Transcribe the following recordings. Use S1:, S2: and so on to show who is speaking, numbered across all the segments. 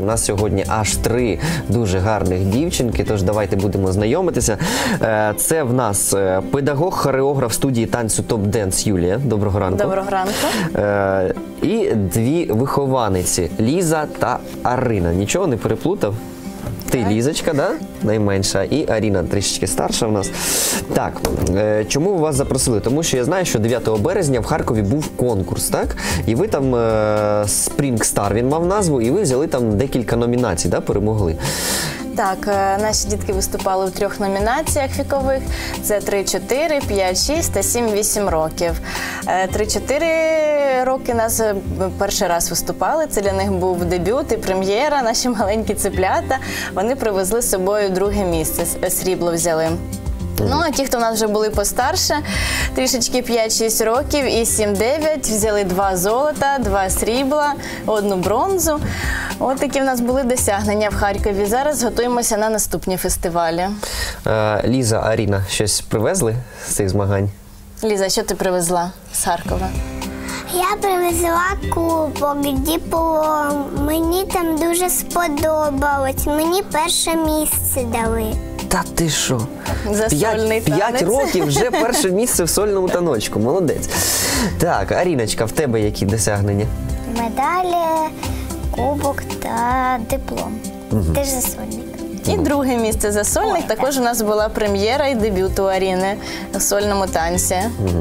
S1: У нас сьогодні аж 3 дуже гарних дівчинки, тож давайте будемо знайомитися. Це в нас педагог-хореограф студії танцю Top Dance Юлія. Доброго ранку.
S2: Доброго ранку.
S1: І 2 вихованиці Ліза та Арина. Нічого не переплутав? Ти Лізочка, да? Найменша, і Аріна трішечки старша в нас. Так, чому вас запросили? Тому що я знаю, що 9 березня в Харкові був конкурс, так? І ви там, Spring Star він мав назву, і ви взяли там декілька номінацій, да? Перемогли.
S2: Так, наші дітки виступали в 3 номінаціях вікових. Це 3-4, 5-6 та 7-8 років. 3-4 роки нас перший раз виступали. Це для них був дебют і прем'єра. Наші маленькі цеплята. Вони привезли з собою 2-ге місце, срібло взяли. Ну, а ті, хто в нас вже були постарше, трішечки 5-6 років і 7-9, взяли 2 золота, 2 срібла, 1 бронзу. От такі в нас були досягнення в Харкові. Зараз готуємося на наступні фестивалі.
S1: Ліза, Аріна, щось привезли з цих змагань?
S2: Ліза, що ти привезла з Харкова?
S3: Я привезла кубок, диплом. Мені там дуже сподобалось. Мені перше місце дали.
S1: Та ти що?
S2: За сольний
S1: 5 років вже перше місце в сольному таночку. Молодець. Так, Аріночка, в тебе які досягнення?
S3: Медалі, кубок та диплом. Теж за сольник.
S2: І 2-ге місце за сольник. Також у нас була прем'єра і дебют у Аріни у сольному танці.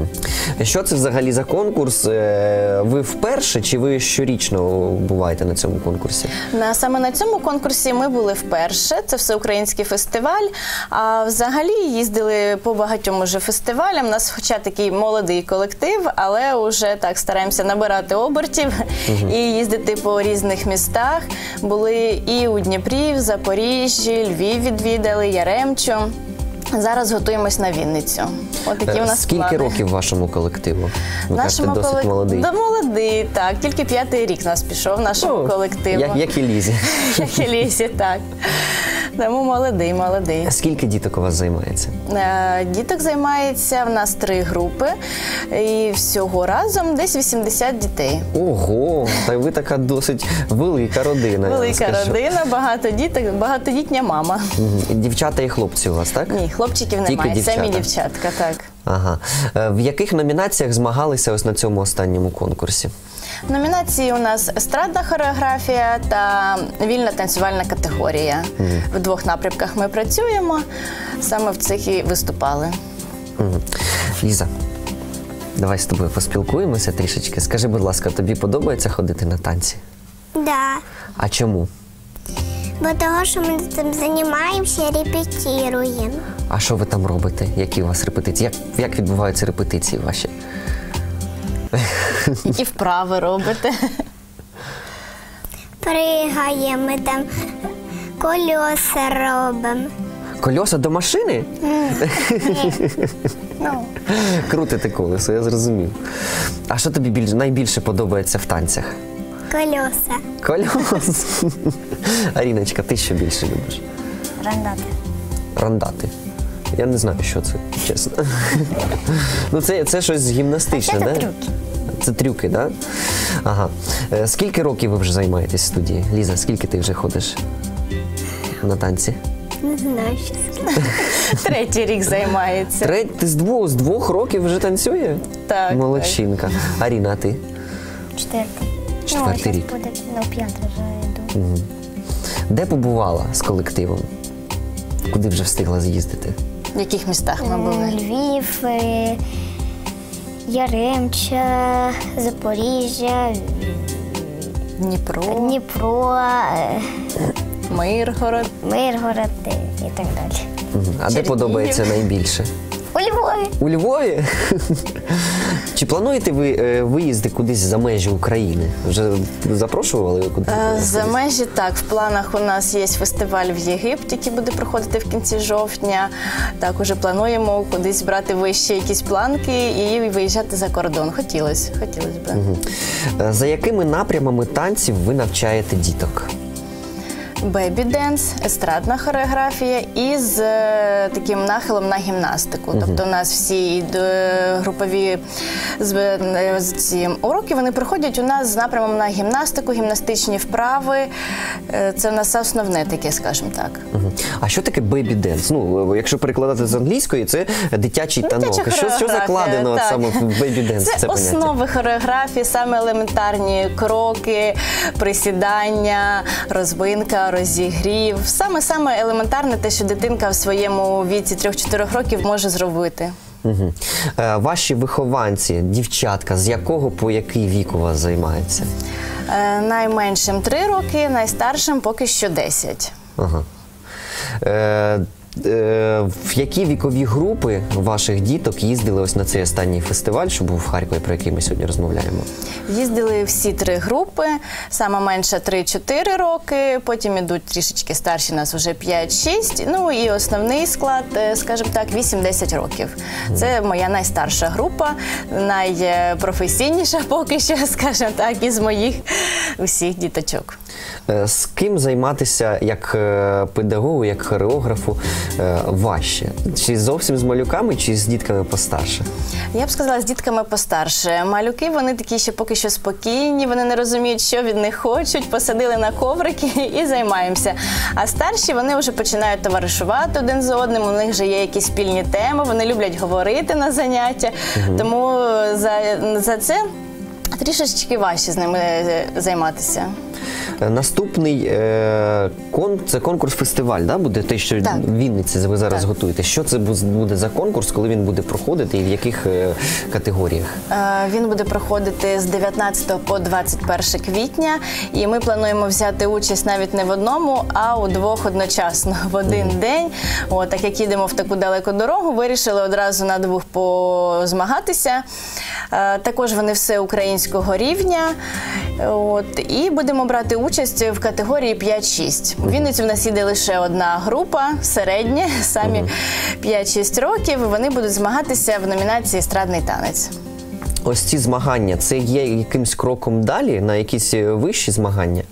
S1: Що це взагалі за конкурс? Ви вперше чи ви щорічно буваєте на цьому конкурсі?
S2: Саме на цьому конкурсі ми були вперше. Це всеукраїнський фестиваль. А взагалі їздили по багатьом уже фестивалям. У нас хоча такий молодий колектив, але вже так стараємося набирати обертів і їздити по різних містах. Були і у Дніпрі, в Запоріжжі, Львів відвідали, Яремчу. Зараз готуємось на Вінницю. От такі у нас
S1: Скільки
S2: плани.
S1: років вашому колективу? Ви кажете, досить молодий.
S2: Да, молодий, так. Тільки 5-й рік у нас пішов нашому колективу.
S1: Як і Лізі.
S2: Як і Лізі, так. Тому молодий.
S1: Скільки діток у вас займається?
S2: Діток займається в нас 3 групи. І всього разом десь 80 дітей.
S1: Ого, та ви така досить велика родина.
S2: Велика родина, багато діток, багатодітня мама.
S1: Дівчата і хлопці у вас, так?
S2: Ні, хлопчиків
S1: Тільки
S2: немає,
S1: дівчата.
S2: самі дівчатка, так.
S1: Ага. В яких номінаціях змагалися ось на цьому останньому конкурсі?
S2: Номінації у нас естрадна хореографія та вільна танцювальна категорія. В 2 напрямках ми працюємо, саме в цих і виступали.
S1: Ліза, давай з тобою поспілкуємося трішечки. Скажи, будь ласка, тобі подобається ходити на танці?
S3: Да.
S1: А чому?
S3: Бо того, що ми там займаємося, репетируємо.
S1: А що ви там робите? Які у вас репетиції? Як відбуваються репетиції ваші?
S2: Які вправи робите?
S3: Пригаємо, ми там кольоса робимо.
S1: Кольоса до машини?
S3: Ну,
S1: Крутите колесо, я зрозумів. А що тобі найбільше подобається в танцях?
S3: кольоса.
S1: Колес. Аріночка, ти що більше любиш?
S3: Рандати.
S1: Рандати. Я не знаю, що це, чесно. Ну, це щось гімнастичне,
S3: Це
S1: да?
S3: трюки.
S1: Це трюки, так? Да? Ага. Скільки років ви вже займаєтесь в студії? Ліза, скільки ти вже ходиш на танці?
S3: Не знаю, що сказати.
S2: 3-й рік займається.
S1: Ти з 2 років вже танцює?
S2: Так.
S1: Молодчинка. Аріна, а ти?
S3: 4-й.
S1: 4-й рік.
S3: Буде, 5-й вже йду.
S1: Де побувала з колективом? Куди вже встигла з'їздити?
S2: В яких містах ми були?
S3: Львів, Яремча, Запоріжжя, Дніпро,
S2: Миргород.
S3: Миргород і так далі.
S1: А де подобається найбільше?
S3: У Львові.
S1: У Львові? Чи плануєте ви виїзди кудись за межі України? Вже запрошували кудись?
S2: За межі, так. В планах у нас є фестиваль в Єгипті, який буде проходити в кінці жовтня. Так, уже плануємо кудись брати вище якісь планки і виїжджати за кордон. Хотілося б.
S1: За якими напрямами танців ви навчаєте діток?
S2: бебі-денс, естрадна хореографія і з таким нахилом на гімнастику. Тобто у нас всі групові ці уроки, вони проходять у нас з напрямом на гімнастику, гімнастичні вправи. Це у нас основне таке, скажімо так.
S1: А що таке бебі-денс? Ну, якщо перекладати з англійської, це дитячий танок. Що закладено
S2: так.
S1: саме в бебі-денс?
S2: Це основи хореографії, саме елементарні кроки, присідання, розвинка, розігрів. Саме елементарне те, що дитинка в своєму віці 3-4 років може зробити.
S1: Угу. Ваші вихованці, дівчатка, з якого по який вік у вас займаються?
S2: Найменшим 3 роки, найстаршим поки що 10.
S1: Ага. В які вікові групи ваших діток їздили ось на цей останній фестиваль, що був в Харкові, про який ми сьогодні розмовляємо?
S2: Їздили всі 3 групи, сама менша 3-4 роки, потім ідуть трішечки старші, у нас вже 5-6, ну і основний склад, скажімо так, 8-10 років. Це моя найстарша група, найпрофесійніша поки що, скажімо так, із моїх усіх діточок.
S1: З ким займатися як педагогу, як хореографу важче? Чи зовсім з малюками, чи з дітками постарше?
S2: Я б сказала, з дітками постарше. Малюки, вони такі ще поки що спокійні, вони не розуміють, що від них хочуть, посадили на коврики і займаємося. А старші, вони вже починають товаришувати один з одним, у них вже є якісь спільні теми, вони люблять говорити на заняття, тому за це трішечки важче з ними займатися.
S1: Наступний це конкурс-фестиваль, да, буде те, що в Вінниці ви зараз готуєте. Що це буде за конкурс, коли він буде проходити і в яких категоріях?
S2: Він буде проходити з 19 по 21 квітня, і ми плануємо взяти участь навіть не в одному, а у 2 одночасно, в один день. Так як їдемо в таку далеку дорогу, вирішили одразу на 2 позмагатися. Також вони всеукраїнського рівня. І будемо брати участь в категорії 5-6. У Вінниці в нас їде лише одна група, середня, самі 5-6 років. Вони будуть змагатися в номінації «Естрадний танець».
S1: Ось ці змагання, це є якимсь кроком далі, на якісь вищі змагання?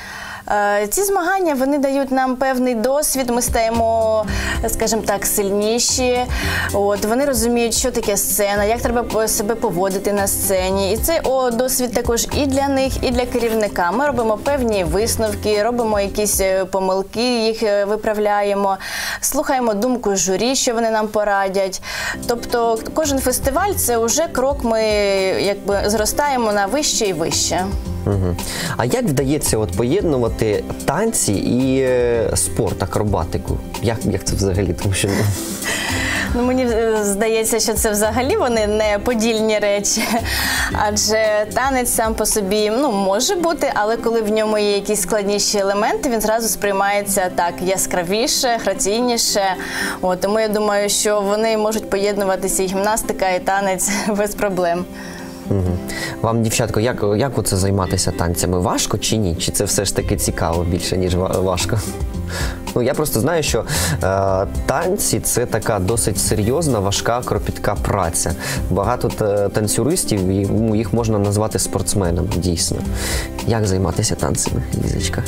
S2: Ці змагання, вони дають нам певний досвід, ми стаємо, скажімо так, сильніші. Вони розуміють, що таке сцена, як треба себе поводити на сцені. І це досвід також і для них, і для керівника. Ми робимо певні висновки, робимо якісь помилки, їх виправляємо, слухаємо думку журі, що вони нам порадять. Тобто кожен фестиваль – це вже крок, ми якби зростаємо на вище і вище.
S1: А як вдається поєднувати танці і спорт, акробатику? Як це взагалі? Тому що
S2: мені здається, що це взагалі вони не подільні речі, адже танець сам по собі може бути, але коли в ньому є якісь складніші елементи, він зразу сприймається так яскравіше, граційніше. Тому я думаю, що вони можуть поєднуватися і гімнастика, і танець без проблем.
S1: Вам, дівчатко, як оце займатися танцями? Важко чи ні? Чи це все ж таки цікаво більше, ніж важко? Я просто знаю, що танці – це така досить серйозна, важка, кропітка праця. Багато танцюристів, їх можна назвати спортсменами, дійсно. Як займатися танцями, Лізочка?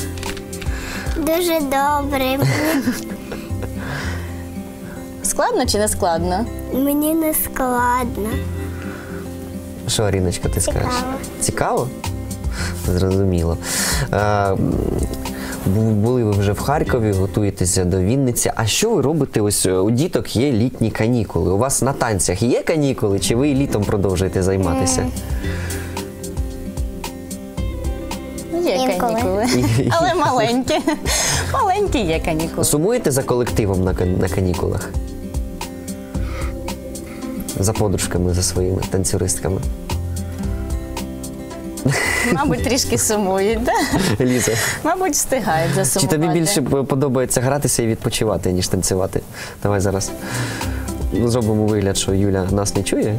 S3: Дуже добре.
S2: Складно чи не складно?
S3: Мені не складно.
S1: Що, Аріночка, ти скажеш? Цікаво? Зрозуміло. Були ви вже в Харкові, готуєтеся до Вінниці. А що ви робите? Ось у діток є літні канікули. У вас на танцях є канікули, чи ви і літом продовжуєте займатися?
S2: Є канікули, але маленькі. Маленькі є канікули.
S1: Сумуєте за колективом на канікулах? За подружками, за своїми танцюристками?
S2: Мабуть, трішки сумують, так?
S1: Ліза.
S2: Мабуть, встигають засумувати.
S1: Чи тобі більше подобається гратися і відпочивати, ніж танцювати? Давай зараз зробимо вигляд, що Юля нас не чує.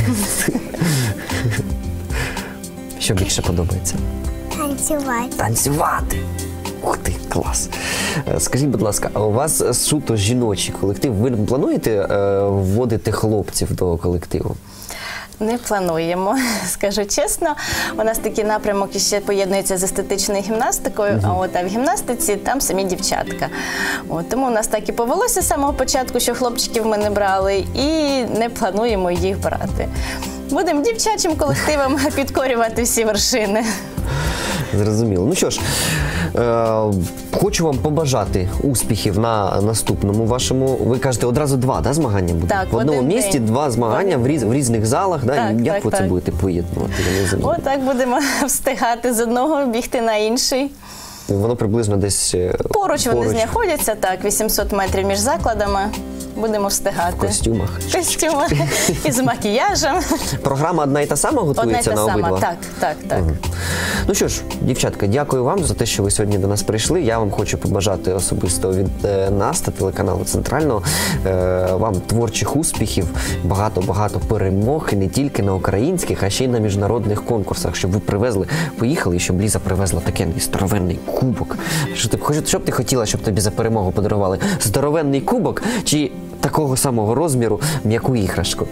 S1: Що більше подобається?
S3: Танцювати.
S1: Танцювати! Ух ти, клас! Скажіть, будь ласка, а у вас суто жіночий колектив? Ви плануєте вводити хлопців до колективу?
S2: Не плануємо, скажу чесно. У нас такий напрямок ще поєднується з естетичною гімнастикою, а в гімнастиці там самі дівчатка. Тому у нас так і повелося з самого початку, що хлопчиків ми не брали, і не плануємо їх брати. Будемо дівчачим колективом підкорювати всі вершини.
S1: Зрозуміло. Ну що ж, хочу вам побажати успіхів на наступному вашому. Ви кажете, одразу два змагання будуть?
S2: Так,
S1: в одному
S2: один
S1: місті
S2: день.
S1: два змагання в різних залах.
S2: Так,
S1: Як
S2: так,
S1: ви це
S2: так.
S1: будете поєднувати? Я не розумію.
S2: Отак будемо встигати з одного бігти на інший.
S1: Воно приблизно десь
S2: Поруч вони знаходяться, так, 800 метрів між закладами. Будемо встигати.
S1: в костюмах.
S2: В костюмах і з макіяжем.
S1: Програма одна і та сама
S2: Одна й
S1: готується
S2: та
S1: на
S2: сама.
S1: обидва?
S2: Так.
S1: Ну що ж, дівчатка, дякую вам за те, що ви сьогодні до нас прийшли. Я вам хочу побажати особисто від нас та телеканалу Центрального вам творчих успіхів, багато-багато перемог, і не тільки на українських, а ще й на міжнародних конкурсах, щоб ви поїхали, і щоб Ліза привезла такий здоровенний кубок. Що б ти хотіла, щоб тобі за перемогу подарували? Здоровенний кубок чи такого самого розміру м'яку іграшку?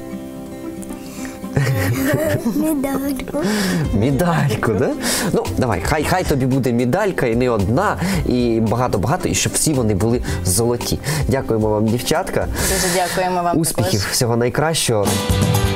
S3: Медальку.
S1: Медальку, да? Ну, давай, хай тобі буде медалька, і не одна, і багато-багато, і щоб всі вони були золоті. Дякуємо вам, дівчатка.
S2: Дуже дякуємо вам.
S1: Успіхів,
S2: також.
S1: всього найкращого.